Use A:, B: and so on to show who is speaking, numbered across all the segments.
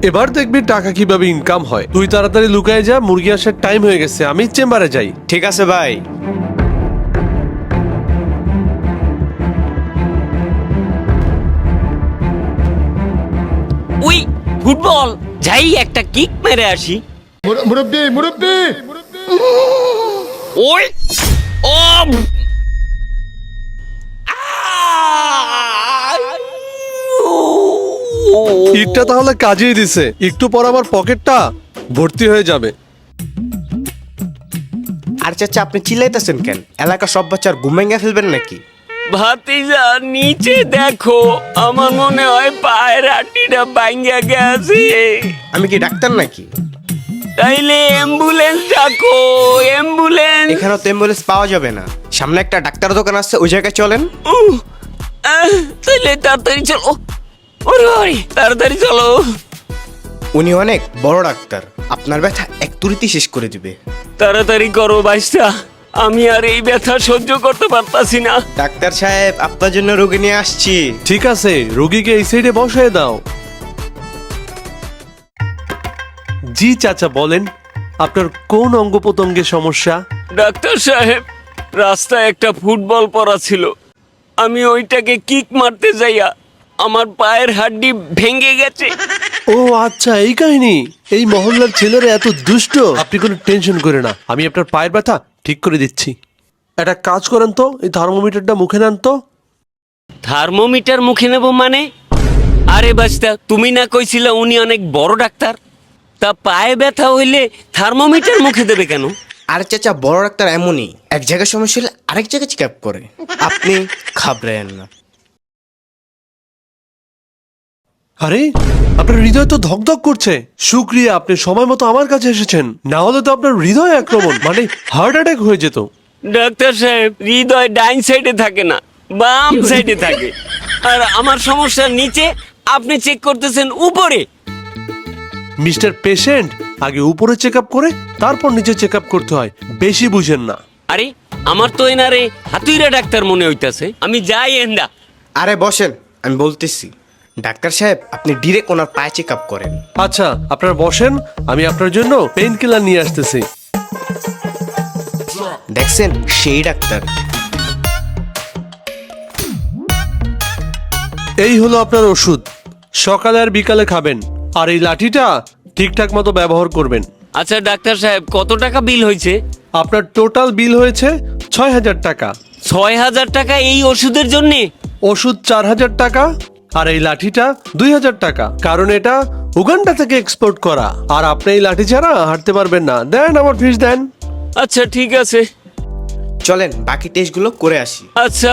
A: এবার দেখবি টাকা কিভাবে ইনকাম হয়। তুই তাড়াতাড়ি লুকায় যা, মুরগি আসার টাইম হয়ে গেছে, আমি চেম্বারে যাই।
B: ঠিক আছে ভাই।
C: উই ফুটবল, যাই একটা কিক মেরে আসি।
D: মুরব্বি মুরব্বি
C: ওই ও
A: ইটটা তাহলে কাজেই দিছে, একটু পর আমার পকেটটা ভর্তি হয়ে যাবে।
B: আর চাচা আপনি চিল্লাইতেছেন কেন? এলাকা সব বাচ্চার ঘুম ভেঙে ফেলবেন নাকি?
C: ভাতিজা নিচে দেখো, আমার মনে হয় পায়ের হাঁটিটা ভাঙ্গা গেছে।
B: আমি কি ডাক্তার নাকি?
C: তাইলে অ্যাম্বুলেন্স ডাকো, অ্যাম্বুলেন্স।
B: এখানে তো অ্যাম্বুলেন্স পাওয়া যাবে না, সামনে একটা ডাক্তার দোকান আছে, ওই জায়গায় চলেন।
C: তাইলে তাড়াতাড়ি চলো, ওরে ওরে তাড়াতাড়ি চলো।
B: উনি অনেক বড় ডাক্তার, আপনার ব্যথা এক তুড়িতে শেষ করে দিবে।
C: তাড়াতাড়ি করো বাইশটা, আমি আর এই ব্যথা সহ্য করতে পারতাছি না।
B: ডাক্তার সাহেব, আপনার জন্য রোগী নিয়ে আসছি।
A: ঠিক আছে, রোগীকে এই সাইডে বসায় দাও। জি চাচা বলেন, আপনার কোন অঙ্গ প্রত্যঙ্গের সমস্যা?
C: ডাক্তার সাহেব, রাস্তায় একটা ফুটবল পড়া ছিল, আমি ওইটাকে কিক মারতে যাইয়া আমার পায়ের হাড্ডি ভেঙে গেছে।
A: ও আচ্ছা, এই কাহিনী। এই মহল্লার ছেলেরা এত দুষ্ট। আপনি কোনো টেনশন করে না, আমি আপনার পায়ের ব্যথা ঠিক করে দিচ্ছি। একটা কাজ করেন তো, এই থার্মোমিটারটা মুখে নেন তো।
C: থার্মোমিটার মুখে নেব মানে? আরে বাস্তা, তুমি না কইছিলা উনি অনেক বড় ডাক্তার, তা পায়ে ব্যথা হইলে থার্মোমিটার মুখে দেবে কেন?
B: আর চাচা, বড় ডাক্তার এমনই, এক জায়গায় সমস্যা হলে আরেক জায়গায় চেক আপ করে। আপনি ঘাবড়েন না।
A: আরে আপনার হৃদয় তো ধকধক করছে। শুক্রিয়া, আপনি সময় মতো আমার কাছে এসেছেন, না হলে তো আপনার হৃদয় আক্রমণ মানে হার্ট অ্যাটাক হয়ে যেত।
C: ডাক্তার সাহেব, হৃদয় ডাইন সাইডে থাকে না, বাম সাইডে থাকে। আর আমার সমস্যা নিচে, আপনি চেক করতেছেন উপরে।
A: মিস্টার পেশেন্ট, আগে উপরে চেক আপ করে তারপর নিচে চেক আপ করতে হয়, বেশি বুঝেন না।
C: আরে আমার তো এনারে হাতুইরা ডাক্তার মনে হইতাছে, আমি যাই এন্ডা।
B: আরে বসেন, আমি বলতেছি। ডাক্তার সাহেব, আপনি ডিরেক্ট ওনার পায়ে চেক আপ করেন।
A: আচ্ছা আপনারা বসেন, আমি আপনার জন্য পেইন কিলার নিয়ে আসতেছি।
B: দেখছেন, সেই ডাক্তার।
A: এই হলো আপনার ওষুধ, সকালে আর বিকালে খাবেন, আর এই লাঠিটা ঠিকঠাক মতো ব্যবহার করবেন।
C: আচ্ছা ডাক্তার সাহেব, কত টাকা বিল হয়েছে?
A: আপনার টোটাল বিল হয়েছে ৬,০০০ টাকা।
C: ৬,০০০ টাকা এই ওষুধের জন্যে?
A: ওষুধ ৪,০০০ টাকা, আর এই লাঠিটা ২,০০০ টাকা, কারণ এটা উগান্ডা থেকে এক্সপোর্ট করা। আর আপনি এই লাঠি ছাড়া হাঁটতে পারবেন না। দেন আমার ফিস দেন।
C: আচ্ছা ঠিক আছে।
B: চলেন বাকি টেস্টগুলো করে আসি।
C: আচ্ছা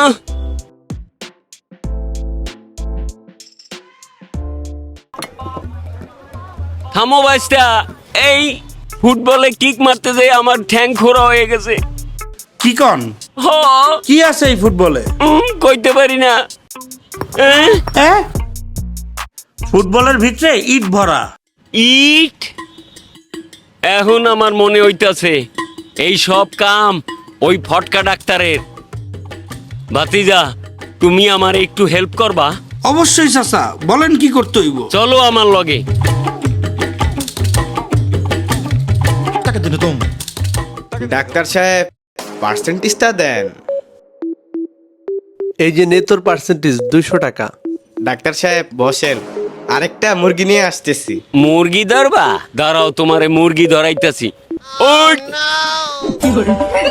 C: থামো বাইস্তা, এই ফুটবলে কিক মারতে যেয়ে আমার ঠ্যাং খোরা হয়ে গেছে।
E: কি কন?
C: হ,
E: কি আছে এই ফুটবলে?
C: কইতে পারি না।
E: হ্যাঁ, ফুটবলের ভিতরে ইট ভরা।
C: ইট? এখন আমার মনে হইতাছে এই সব কাম ওই ফটকা ডাক্তারের। ভাতিজা, তুমি আমার একটু হেল্প করবা?
E: অবশ্যই চাচা, বলেন কি করতে হইব?
C: চলো আমার লগে।
B: ডাক্তার সাহেব, পার্সেন্টেজটা দেন।
A: এই যে নে তোর পার্সেন্টেজ ২০০ টাকা।
B: ডাক্তার সাহেব বসেন, আরেকটা মুরগি নিয়ে আসতেছি।
C: মুরগি ধরবা? দাঁড়াও, তোমারে মুরগি ধরাইতাছি। ওই